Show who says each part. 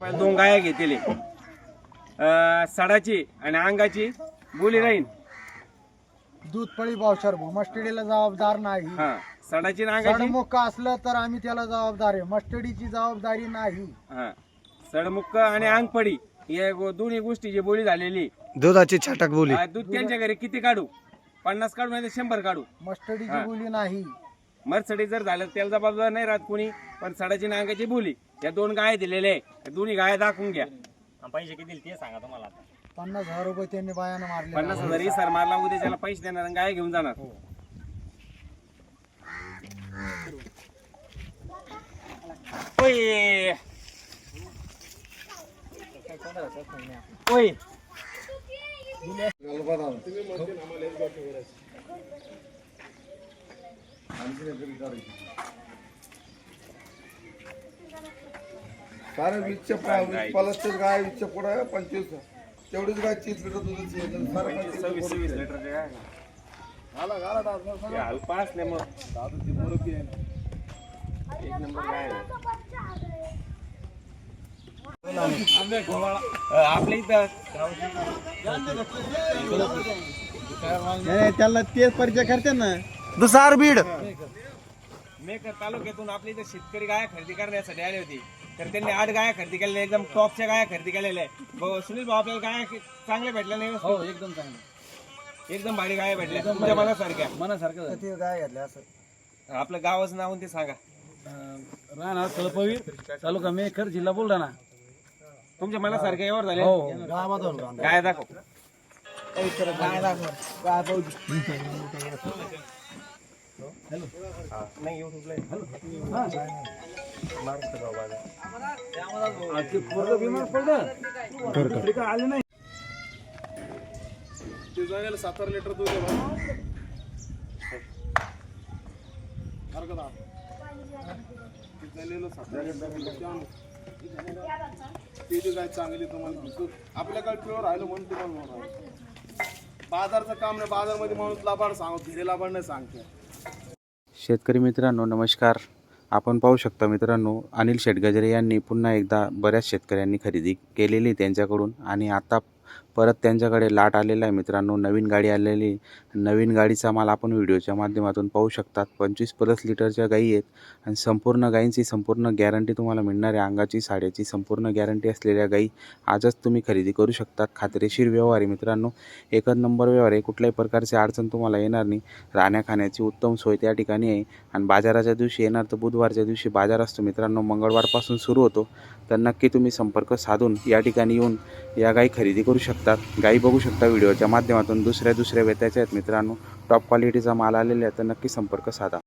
Speaker 1: दोन गाया घेतले सडाची आणि अंगाची बोली राहील.
Speaker 2: दूध पळी पावशर मस्टडीला जबाबदार नाही.
Speaker 1: हा सडाची आणि अंगाची
Speaker 2: सडमुक्क असलं तर आम्ही त्याला जबाबदार आहे, मस्टडीची जबाबदारी नाही.
Speaker 1: हा सडमुक्क आणि अंगपडी या दोन्ही गोष्टीची बोली झालेली.
Speaker 3: दुधाची छाटक बोली.
Speaker 1: दूध त्यांच्या घरी किती काढू, 50 काढू नाही 100 काढू,
Speaker 2: मस्टडीची बोली नाही.
Speaker 1: मरसडी जर झालं त्याला जबाबदार नाही राहत कोणी. पण सडाची आणि अंगाची बोली या दोन गाय दिलेले आहे. दोन्ही गाय दाखवून घ्या.
Speaker 4: पैसे किती दिले ते सांगा तुम्हाला आता.
Speaker 2: 50,000 रुपये त्यांनी बायानं मारले.
Speaker 1: 50,000 सर मारला उद्या त्याला पैसे देणार आणि गाय घेऊन जाणार. ओय ओय
Speaker 5: सारे वीसच्या पलसच गाय 20च्या पुढे 25 तेवढीच गाय 30 लिटर दूध येतं.
Speaker 1: 26 लिटरचे गाय अल्पा असले मग एक नंबर गाय आपल्या इथं
Speaker 2: त्याला तेच परिचय करते ना.
Speaker 3: दुसार बीड.
Speaker 1: मेकर तालुक्यातून आपल्या इथं शेतकरी गाय खरेदी करण्यासाठी आले होते. तर त्यांनी 8 गाया खरेदी केलेल्या, एकदम टॉपच्या गाया खरेदी केलेल्या आहे. सुनील भाऊ आपल्याला गाया चांगल्या भेटल्या नाही?
Speaker 2: हो एकदम चांगलं,
Speaker 1: एकदम भारी गाया भेटल्या तुमच्या मनासारख्या.
Speaker 2: मनासारखं ते गाय घेतल्या असं.
Speaker 1: आपलं गावाचं नाव ते सांगा.
Speaker 2: राहणार तळपवी, तालुका मेकर, जिल्हा बुलढाणा.
Speaker 1: तुमच्या मनासारख्या यावर झाले
Speaker 2: गावामधून
Speaker 1: गाय दाखव. नाही युट्यूबला
Speaker 5: ते जायला 7 लिटर दूध आहे. ती गाय चांगली तुम्हाला आपल्याकडे प्युअर राहिलं म्हणून तुम्हाला बाजारचं काम नाही. बाजारमध्ये माणूस लाभाड सांगतो, धीरे लाभाड नाही सांगते.
Speaker 6: शेतकरी मित्रांनो नमस्कार. आपण पाहू शकता मित्रांनो, अनिल शेटगजरे यांनी पुन्हा एकदा बऱ्याच शेतकऱ्यांनी खरेदी केलेली त्यांच्याकडून आणि आता परत त्यांच्याकडे लाट आलेला आहे मित्रांनो. नवीन गाडी आलेली, नवीन गाडीचा माल आपण व्हिडिओच्या माध्यमातून पाहू शकतात. 25+ लिटरच्या गायी आहेत आणि संपूर्ण गायींची संपूर्ण गॅरंटी तुम्हाला मिळणार आहे. अंगाची साड्याची संपूर्ण गॅरंटी असलेल्या गायी आजच तुम्ही खरेदी करू शकतात. खात्रीशीर व्यवहार आहे मित्रांनो, एकच नंबर व्यवहार आहे. कुठल्याही प्रकारची अडचण तुम्हाला येणार नाही. राहण्या खाण्याची उत्तम सोय त्या ठिकाणी आहे. आणि बाजाराच्या दिवशी येणार तर बुधवारच्या दिवशी बाजार असतो मित्रांनो, मंगळवारपासून सुरू होतो. तर नक्की तुम्ही संपर्क साधून या ठिकाणी येऊन या गायी खरेदी करू शकतात. गायी बघू शकता व्हिडिओच्या माध्यमातून, दुसऱ्या वेत्याच्या आहेत मित्रांनो. टॉप क्वालिटीचा माल आलेला आहे, तर नक्की संपर्क साधा.